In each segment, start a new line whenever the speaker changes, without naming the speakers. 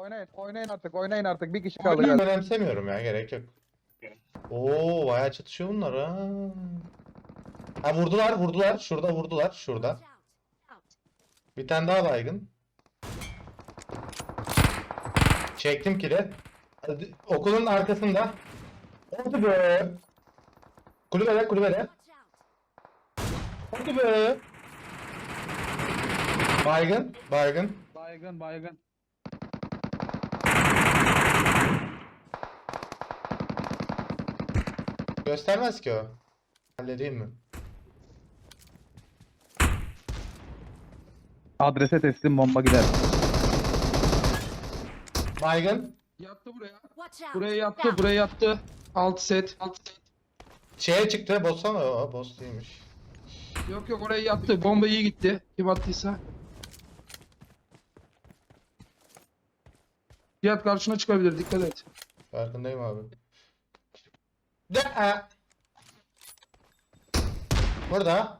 Oynayın artık, oynayın artık. Bir kişi kaldı
Ben
galiba.
önemsemiyorum ya, gerek yok. Oo, bayağı çatışıyor bunlar ha. Ha, vurdular. Şurada vurdular. Şurada. Bir tane daha baygın. Çektim kili. Hadi, okulun arkasında. Hadi be. Kulübede. Hadi be. Baygın.
Baygın.
Göstermez ki o. Halledeyim mi?
Adrese teslim bomba gider.
Baygın.
Yattı buraya. Buraya yattı. 6 set.
Şeye çıktı. Boss'a mı? O boss değilmiş.
Yok oraya yattı. Bomba iyi gitti. Kim attıysa. Cihat karşına çıkabilir. Dikkat et.
Farkındayım abi. De Burada.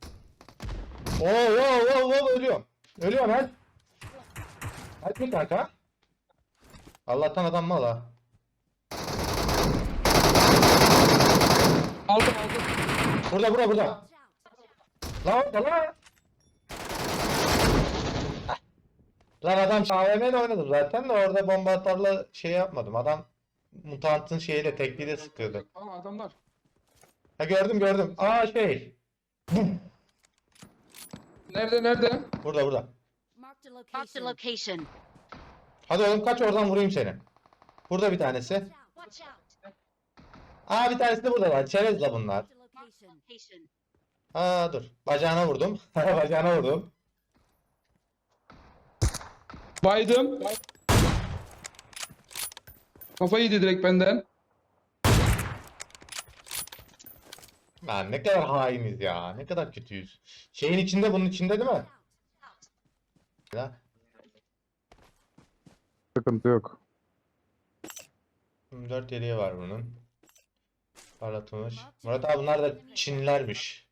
Oo, ölüyorum. Ölüyorum lan. Hadi kanka. Allah'tan adam mal ha.
Aldım.
Burada. Lan. Lan adam AVM'yle oynadım zaten de orada bomba atarla şey yapmadım. Adam mutantın şeyiyle tekliyle sıkıyordu.
Aa adamlar.
Ha, gördüm. Aa, şey.
Nerede?
Burada.
Marked a location.
Hadi oğlum, kaç oradan vurayım seni. Burada bir tanesi.
Watch out.
Aa, bir tanesi de burada var. Çerezle bunlar.
Marked a location.
Aa, dur. Bacağına vurdum. Bacağına vurdum.
Baydım. Kafayı yedi direkt benden.
Lan ne kadar hainiz ya. Ne kadar kötüyüz. Şeyin içinde, bunun içinde değil mi? Ya.
Sıkıntı yok.
4 yeleği var bunun. Parlatılmış. Murat abi, bunlar da Çinlilermiş.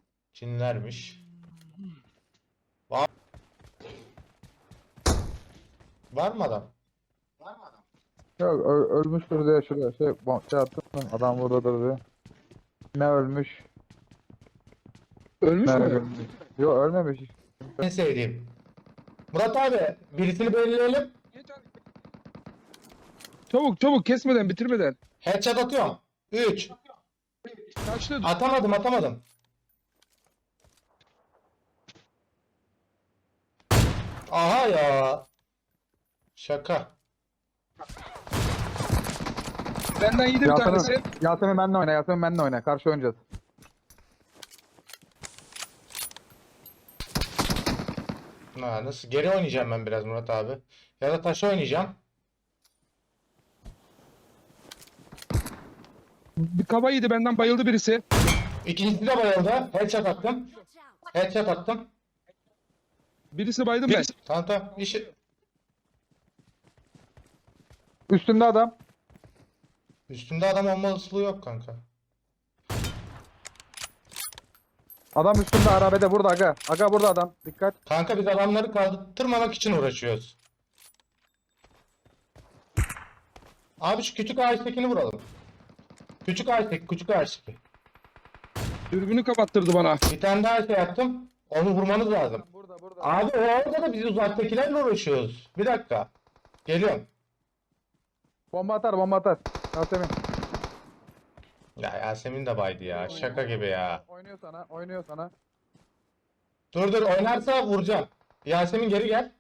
Var mı adam?
Yok ölmüştür diye şuraya şey attım. Adam buradadır diye. Ne ölmüş?
Ölmüş
Ne
mü?
ölmüş? Yok ölmemiş.
En sevdiğim. Murat abi, birisini belirleyelim.
Çabuk kesmeden bitirmeden.
Headshot atıyorum. 3.
Kaçtı.
Atamadım. Aha ya. Şaka.
Benden yedi bir tanesi.
Yasemin benimle oyna. Karşı oynayacağız.
Ha, nasıl? Geri oynayacağım ben biraz Murat abi. Ya da taş oynayacağım.
Bir kafa yedi benden bayıldı birisi.
İkincisi de bayıldı. Headshot attım.
Birisi baydım ben.
Tamam. İşi...
Üstünde adam.
Üstünde adam olma olasılığı yok kanka.
Adam üstünde arabede burada aga. Aga burada adam. Dikkat.
Kanka, biz adamları kaldırmamak için uğraşıyoruz. Abi, şu küçük ağaçtakini vuralım. Küçük ağaçtaki.
Dürbünü kapattırdı bana.
Bir tane daha şey yaptım. Onu vurmanız lazım.
Burada.
Abi, orada da biz uzaktakilerle uğraşıyoruz. Bir dakika. Geliyorum.
Bomba atar. Yasemin.
Ya Yasemin de baydı ya. Şaka gibi ya.
Oynuyor sana.
Dur, oynarsa vuracağım. Yasemin, geri gel.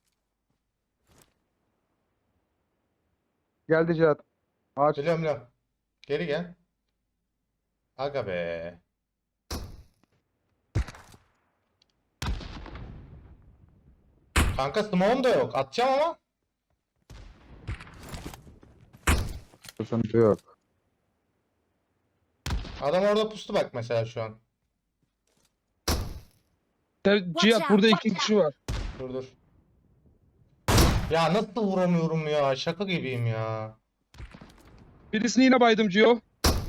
Geldi Cihat. Ağaç.
Biliyorum. Geri gel. Aga be. Kanka, smoke'um da yok. Atacağım ama.
Sıkıntı yok.
Adam orada pustu bak mesela şu an.
Cihat burada 2 kişi var.
Dur. Ya nasıl vuramıyorum ya? Şaka gibiyim ya.
Birisini yine baydım Cio.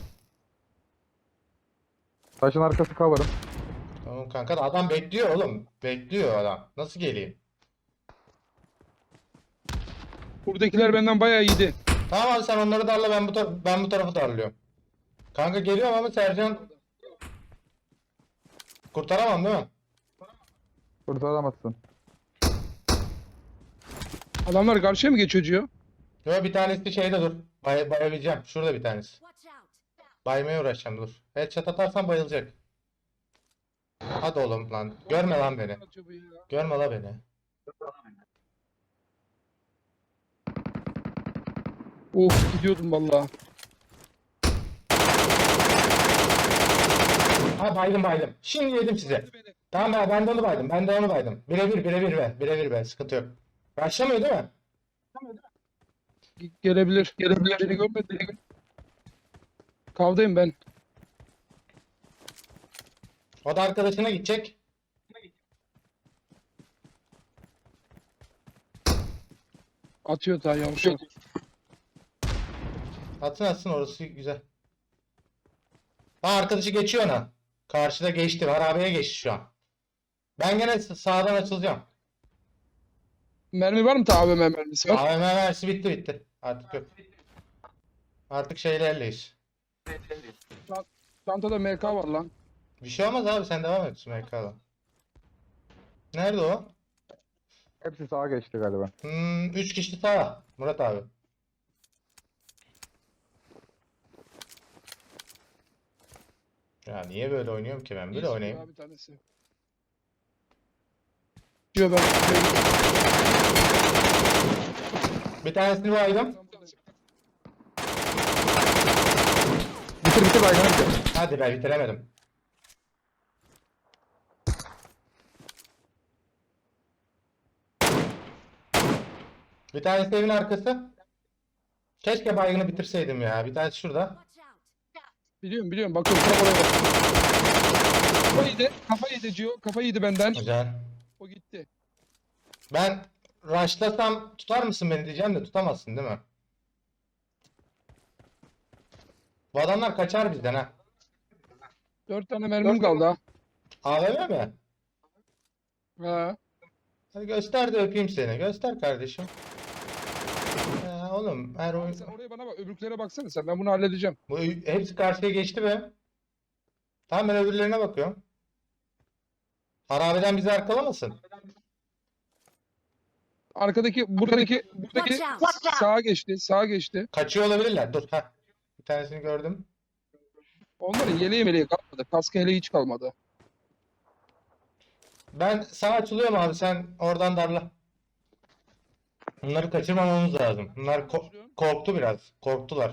Taşın arkası cover'ım.
Tamam kanka, da adam bekliyor oğlum. Bekliyor adam. Nasıl geleyim?
Buradakiler benden bayağı iyiydi.
Tamam abi sen onları darla ben bu tarafı darlıyorum. Kanka geliyorum ama Sercan kurtaramam değil mi?
Kurtaramazsın.
Adamlar karşıya mı geçiyor Cio?
Yok bir tanesi şeyde dur. Bayabileceğim. Şurada bir tanesi.
Watch out.
Baymaya uğraşacağım dur. Headshot atarsan bayılacak. Hadi oğlum lan. Görme lan beni. Görme la beni.
Of gidiyordum valla.
Ha baydım. Şimdi yedim size. Tamam ben de onu baydım. Ben de onu baydım. Birebir be. Birebir be. Sıkıntı yok. Başlamıyor değil mi?
Gelebilir. Gelebilir. Beni görmedi. Kavdayım ben.
O da arkadaşına gidecek.
Atıyor daha yavrum.
Atsın orası güzel. Ha arkadaşı geçiyor ona. Karşıda geçti. Harabeye geçti şu an. Ben gene sağdan açılacağım.
Mermi var mı ta AVM mermisi var?
AVM mermisi bitti. Artık yok. Artık şeylerleyiz.
Çantada MK var lan.
Bir şey olmaz abi sen devam et MK'da. Nerede o?
Hepsi sağa geçti galiba.
3 kişi sağ. Murat abi. Ya niye böyle oynuyorum ki ben? Böyle
İyi
oynayayım.
sıkıyor abi tanesi. Diyor ben.
Bir tanesini baydım.
Bitir baygını bitir.
Hadi be bitiremedim. Bir tanesi evin arkası. Keşke baygını bitirseydim ya. Bir tanesi şurada.
Watch out.
Biliyorum bakıyorum tam oraya bak. Kafa yedi Cio. Kafa yedi benden.
Güzel.
O gitti.
Ben rushlasam tutar mısın beni diyeceğim de tutamazsın değil mi? Bu adamlar kaçar bizden ha.
4 tane mermim kaldı ha.
AVM mi?
Ha.
Hadi göster de öpeyim seni. Göster kardeşim. Ya oğlum her oyun...
Sen oraya bana bak. Öbürklere baksana sen. Ben bunu halledeceğim.
Bu hepsi karşıya geçti be. Tamam ben öbürlerine bakıyorum. Harabeden bizi arkalamasın.
Buradaki
Watch out.
sağa geçti.
Kaçıyor olabilirler. Dur ha. Bir tanesini gördüm.
Onların yeleği meleği kalmadı. Kaskı hele hiç kalmadı.
Ben sağ açılıyorum abi sen oradan darla. Bunları kaçırmamamız lazım. Bunlar korktu biraz. Korktular.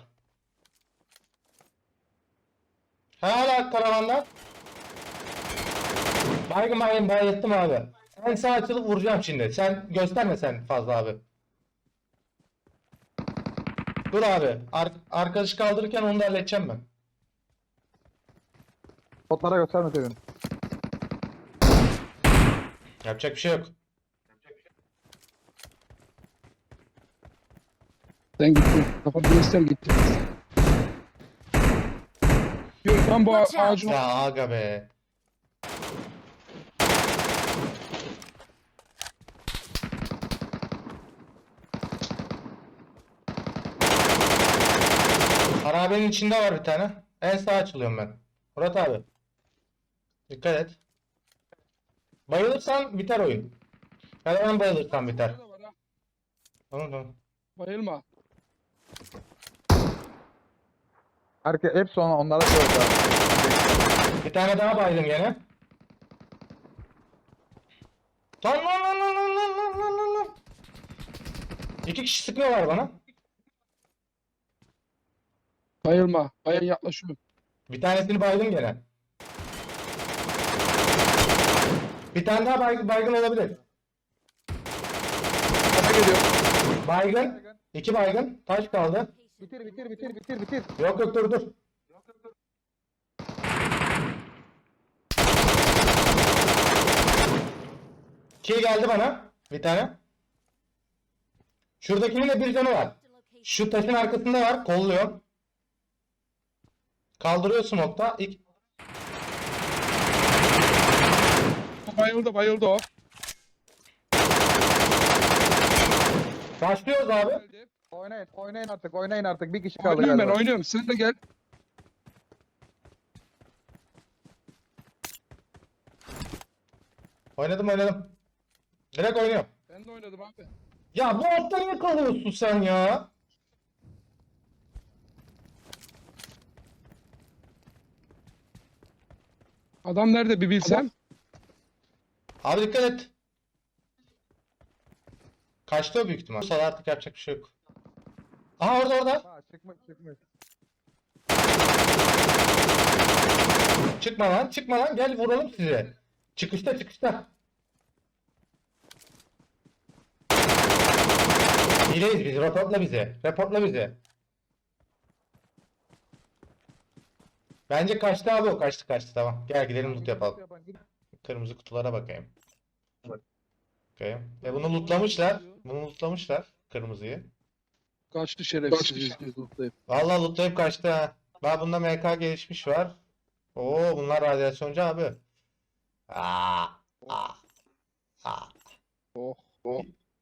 Hala karavanlar. Bayılttım abi. Ben sağ açılıp vuracağım şimdi. Sen gösterme sen fazla abi. Dur abi. Arkadaşı kaldırırken onu da halledeceğim ben.
Botlara göstermeseydin.
Yapacak bir şey yok.
Sen gittin. Kafa göster gitti. Yok ben bu
Watch out.
ağacın
Ya aga be. Harabenin içinde var bir tane. En sağa açılıyorum ben. Murat abi. Dikkat et. Bayılırsan biter oyun. Ya da ben bayılırsam biter. Tamam.
Bayılma.
Hepsi onlara söyledi.
Bir tane daha baydım gene. Lan. 2 kişi sıkıyorlar bana.
Bayılma. Bayan yaklaşıyor.
Bir tanesini baydım gene. Bir tane daha baygın olabilir.
Kafa geliyor.
Baygın. 2 baygın. Taş kaldı.
Bitir.
Yok dur. Kill geldi bana. Bir tane. Şuradakinin de bir canı var. Şu taşın arkasında var. Kolluyor. Kaldırıyor smoke'ta.
Bayıldı o.
Başlıyoruz abi.
Geldim.
Oynayın artık, oynayın artık. Bir kişi kaldı
Oynuyorum ben
galiba.
oynuyorum. Sen de gel.
Oynadım. Direkt oynuyorum.
Ben de oynadım abi.
Ya bu altta niye kalıyorsun sen ya?
Adam nerede bir bilsem.
Abi dikkat et. Kaçtı o büyük ihtimal. Bu sefer artık yapacak bir şey yok. Aha orada.
Ha, çıkmış.
Çıkma lan gel vuralım size. Çıkışta. Hileyiz biz, reportla bizi. Bence kaçtı abi o, kaçtı tamam. Gel gidelim loot yapalım. Kırmızı kutulara bakayım. Bakayım. Bunu lootlamışlar kırmızıyı.
Kaçtı şerefsiz.
Vallahi lootlayıp kaçtı ha. Bak bunda MK gelişmiş var. Oo bunlar radyasyoncu abi. Aa, aa, aa.
Oh oh.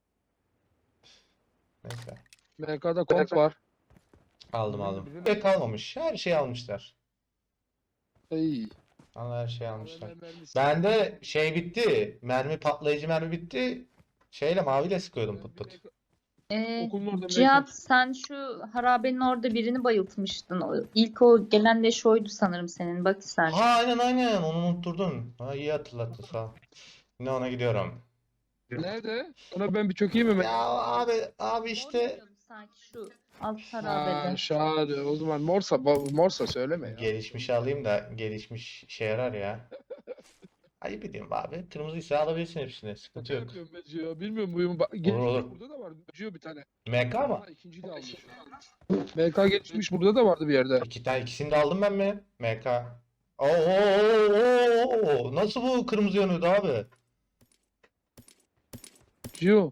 Neyse.
MK'da komp var.
Aldım. Şey kalmamış. Her şeyi almışlar.
Ey.
Vallahi her şeyi almışlar.
Mermisi.
Bende şey bitti. Patlayıcı mermi bitti. Şeyle maviyle sıkıyordum pıt pıt.
Okulun orada
Cihat sen şu harabenin orada birini bayıltmıştın. İlk o gelen de şoydu sanırım senin. Bak sen.
Ha aynen onu unutturdun. Ha iyi hatırlattın sağ ol. Yine ona gidiyorum.
Nerede? Ona ben bir çökeyim mi?
Ya abi işte
Oynayalım sanki şu alt
Ha,
harabede.
şahane. O zaman morsa söyleme ya.
gelişmişi alayım da gelişmiş işe yarar ya. Ayıp edeyim abi. Kırmızıysa alabilirsin hepsini. Sıkıntı yok.
Yapıyorum ben Cio. Bilmiyorum buyum. Gelişmiş
olur.
burada da vardı. Cio bir tane.
MK mı?
Ha, ikinciyi de almış. MK gelişmiş burada da vardı bir yerde.
İkisini de aldım ben mi? MK. Oo, nasıl bu kırmızı yanıyordu abi?
Cio.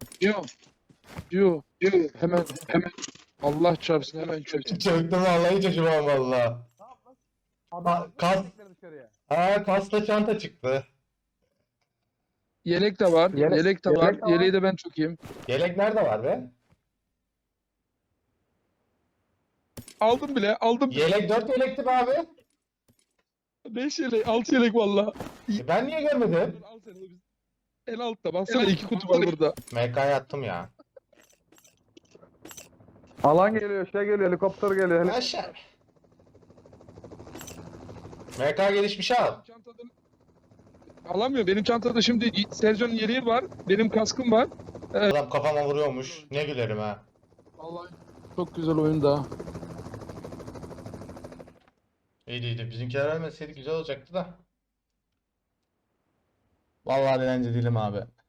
Hemen. Allah çarpsın hemen çöksün.
Çöktüm vallahi hiç acımam valla. Kas, kasla çanta çıktı.
Yelek de var. Yelek de var. Yeleği de ben çökeyim.
Yelek nerede var be?
Aldım bile.
Yelek 4 yelekti be abi.
5 yelek. 6 yelek valla.
Ben niye görmedim?
Al sen de biz. En altta. Baksana 2 kutu var burada.
MK'ya attım ya.
Alan geliyor, helikopter geliyor.
Aşağı. MK gelişmiş al.
Çantada... Alamıyor. Benim çantada şimdi Sercan'ın yeleği var. Benim kaskım var.
Adam kafama vuruyormuş. Ne gülerim ha.
Vallahi çok güzel oyun da.
İyiydi. Bizimkiler ölmeseydi güzel olacaktı da. Vallahi dilenci değilim abi.